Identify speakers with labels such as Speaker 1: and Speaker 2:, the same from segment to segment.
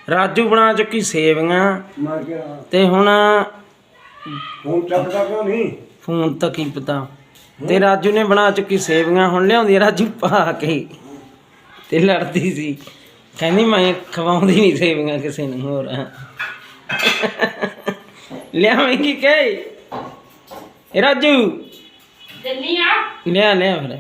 Speaker 1: ਰਾਜੂ ਬਣਾ ਚੁੱਕੀ ਸੇਵੀਆਂ ਤੇ ਹੁਣ
Speaker 2: ਫੋਨ ਚੱਕਦਾ ਕਿਉਂ ਨਹੀਂ?
Speaker 1: ਫੋਨ ਤਾਂ ਕੀ ਪਤਾ। ਤੇ ਰਾਜੂ ਨੇ ਬਣਾ ਚੁੱਕੀ ਸੇਵੀਆਂ, ਹੁਣ ਲਿਆਉਂਦੀ ਰਾਜੂ ਪਾ ਕੇ ਤੇ ਲੜਦੀ ਸੀ, ਕਹਿੰਦੀ ਮੈਂ ਖਵਾਉਂਦੀ ਨਹੀਂ ਸੇਵੀਆਂ ਕਿਸੇ ਨੂੰ ਹੋਰ। ਲਿਆਵੇਂਗੀ ਕਿ ਰਾਜੂ ਲਿਆ ਲਿਆ ਫਿਰ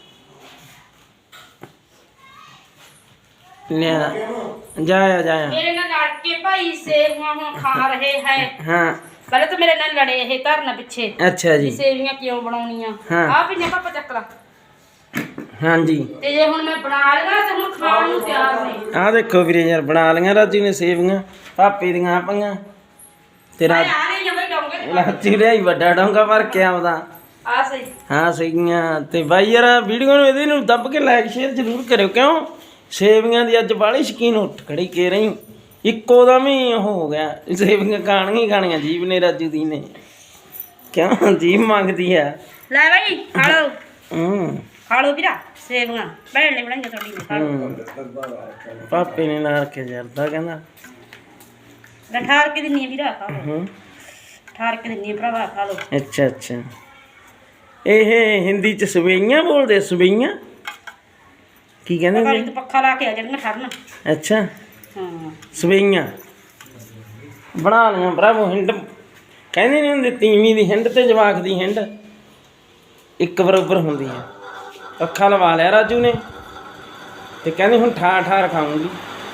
Speaker 1: ਲਿਆ ਜਾਇਆ ਜਾਇਆ।
Speaker 3: मेरे नाल लड़ के भाई सेवियां हुण खा रहे हैं।
Speaker 1: हाँ
Speaker 3: पहले तो मेरे नाल लड़े ये घर ना पीछे।
Speaker 1: अच्छा जी।
Speaker 3: सेवियां क्यों बनाउणियां?
Speaker 1: हाँ।
Speaker 3: आ भी ने पापा चक ला।
Speaker 1: हाँ जी।
Speaker 3: ते जे हुण मैं बना लगा ते हुण खाण नूं तैयार ने।
Speaker 1: आ देखो वीरे यार बना लिया राजू ने सेवियां, पापे दियां पाइयां ते
Speaker 3: आ रही है भाई डोंगे।
Speaker 1: राजू लियाई वड्डा डोंगा भर के आउंदा।
Speaker 3: आ सही।
Speaker 1: हाँ सहीयां ते बाई यार वीडियो नूं इहदे नूं दब के लाइक शेयर जरूर करियो, क्यों सेवियां दी अज बाली शकीन उठ खड़ी के रही, इक्को दम ही हो गया सेवियां खाणियां ही खाणियां जीव ने राजू दी ने, क्यों जीव मंगदी है।
Speaker 3: ले भाई खा लो। खा लो वीरा सेवियां भैन ने बनाईयां थोड़ी ने खा लो।
Speaker 1: पापे ने ना रखे जरदा कहंदा
Speaker 3: मैं ठार के दिन्नी वीरा खा लो। ठार के दिन्नी भरावा खा लो।
Speaker 1: अच्छा अच्छा ਇਹ ਹਿੰਦੀ ਚ ਸਵਈਆਂ ਬੋਲਦੇ, ਸਵਈਆਂ ਕੀ ਕਹਿੰਦੇ
Speaker 3: पता
Speaker 1: ਨੇ?
Speaker 3: नहीं तो पक्का ला के आ जाना ठरना।
Speaker 1: ਅੱਛਾ
Speaker 3: हां
Speaker 1: ਸਵਈਆਂ ਬਣਾ ਲਈਆਂ ਭਰਾਵੋ। ਹਿੰਡ ਕਹਿੰਦੇ ਨਹੀਂ ਹੁੰਦੇ, ਤੀਵੀਂ ਦੀ ਹਿੰਡ ਤੇ ਜਵਾਕ ਦੀ ਹਿੰਡ ਇੱਕ ਬਰਾਬਰ ਹੁੰਦੀ ਹੈ। ਅੱਖਾਂ ਲਵਾ ਲਿਆ ਰਾਜੂ ਨੇ ਤੇ ਕਹਿੰਦੇ ਹੁਣ ਠਾਰ ਠਾਰ ਖਾਊਂਗੀ।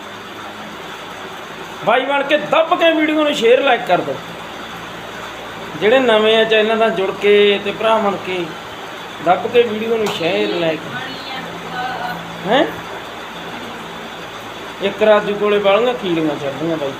Speaker 1: ਬਾਈ ਬਣ ਕੇ ਦੱਬ ਕੇ ਵੀਡੀਓ ਨੂੰ ਸ਼ੇਅਰ ਲਾਈਕ ਕਰ ਦਿਓ। ਜਿਹੜੇ ਨਵੇਂ ਆ ਚੈਨਲ ਨਾਲ ਜੁੜ ਕੇ ਤੇ ਭਰਾ ਬਣ ਕੇ ਦੱਬ ਕੇ ਵੀਡੀਓ ਨੂੰ ਸ਼ੇਅਰ ਲਾਈਕ ਹੈ। ਇੱਕ ਰਾਜੂ ਕੋਲੇ ਵਾਲੀਆਂ ਕੀੜੀਆਂ ਚੜ੍ਹਦੀਆਂ ਬਾਈ,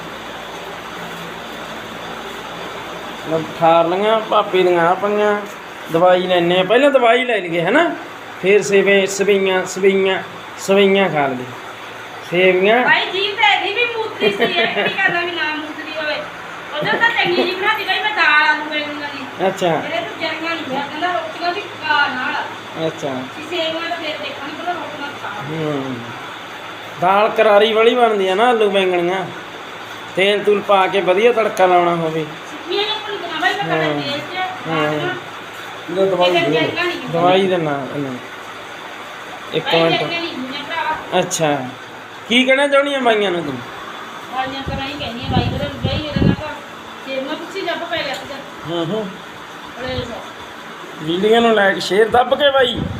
Speaker 1: ਮੈਂ ਠਾਰ ਲਈਆਂ ਭਾਪੇ ਦੀਆਂ ਆ ਪਈਆਂ। ਦਵਾਈ ਲੈਣੇ ਆ, ਪਹਿਲਾਂ ਦਵਾਈ ਲੈ ਲਈਏ ਹੈ ਨਾ, ਫਿਰ ਸਵਈਆਂ ਖਾ ਲਈਏ ਸੇਵੀਆਂ।
Speaker 3: भाई जीव ते दी भी मूत्री सी है की करना भी ना मूत्री होवे उधर तो चंगी जी बनाती भाई मैं दाल आलू बेलूंगा दी।
Speaker 1: अच्छा
Speaker 3: मेरे तो जरियां नहीं है कहंदा रोटियां भी खा नाल।
Speaker 1: अच्छा
Speaker 3: सेवियां तो फिर देखणी पता रोटियां खा।
Speaker 1: ਦਾਲ ਕਰਾਰੀ ਵਾਲੀ ਬਣਦੀ ਆ ਨਾ, ਆਲੂ ਬੈਂਗਣੀਆਂ ਤੇਲ ਤੂਲ ਪਾ ਕੇ ਵਧੀਆ ਤੜਕਾ ਲਾਉਣਾ ਹੋਵੇ।
Speaker 3: ਸਿੱਕੀਆਂ ਨੂੰ ਭੁੰਨ ਦੇਣਾ ਭਾਈ ਮੈਂ ਕਦੇ ਤੇਲ ਚ
Speaker 2: ਇਹਦਾ ਦਵਾਈ ਦੇ
Speaker 3: ਜਰੀਆਂ ਨਹੀਂ
Speaker 1: ਦਵਾਈ ਦੇਣਾ ਇਹਨੂੰ ਇੱਕ
Speaker 3: ਭਾਈ
Speaker 1: ਮਿੰਟ।
Speaker 3: ਜਰੀਆਂ ਨਹੀਂ ਹੁੰਦੀਆਂ ਭਰਾਵਾ।
Speaker 1: ਅੱਛਾ ਕੀ ਕਹਿਣਾ ਚਾਹੁੰਦੀ ਆ ਬਾਈਆਂ ਨੂੰ ਤੂੰ?
Speaker 3: ਵਾਲੀਆਂ ਤਾਂ ਨਹੀਂ ਕਹਿੰਦੀਆਂ ਬਾਈ ਉਹਦੇ ਬਈ ਇਹਦੇ ਨਾਲ ਤਾਂ ਸੇਵੀਆਂ ਪਿੱਛੇ ਜੱਬ ਪੈ ਗਿਆ ਸੀ।
Speaker 1: ਹੂੰ
Speaker 3: ਬੜੇ
Speaker 1: ਵੀਡੀਓ ਨੂੰ ਲਾਈਕ ਸ਼ੇਅਰ ਦੱਬ ਕੇ ਬਾਈ।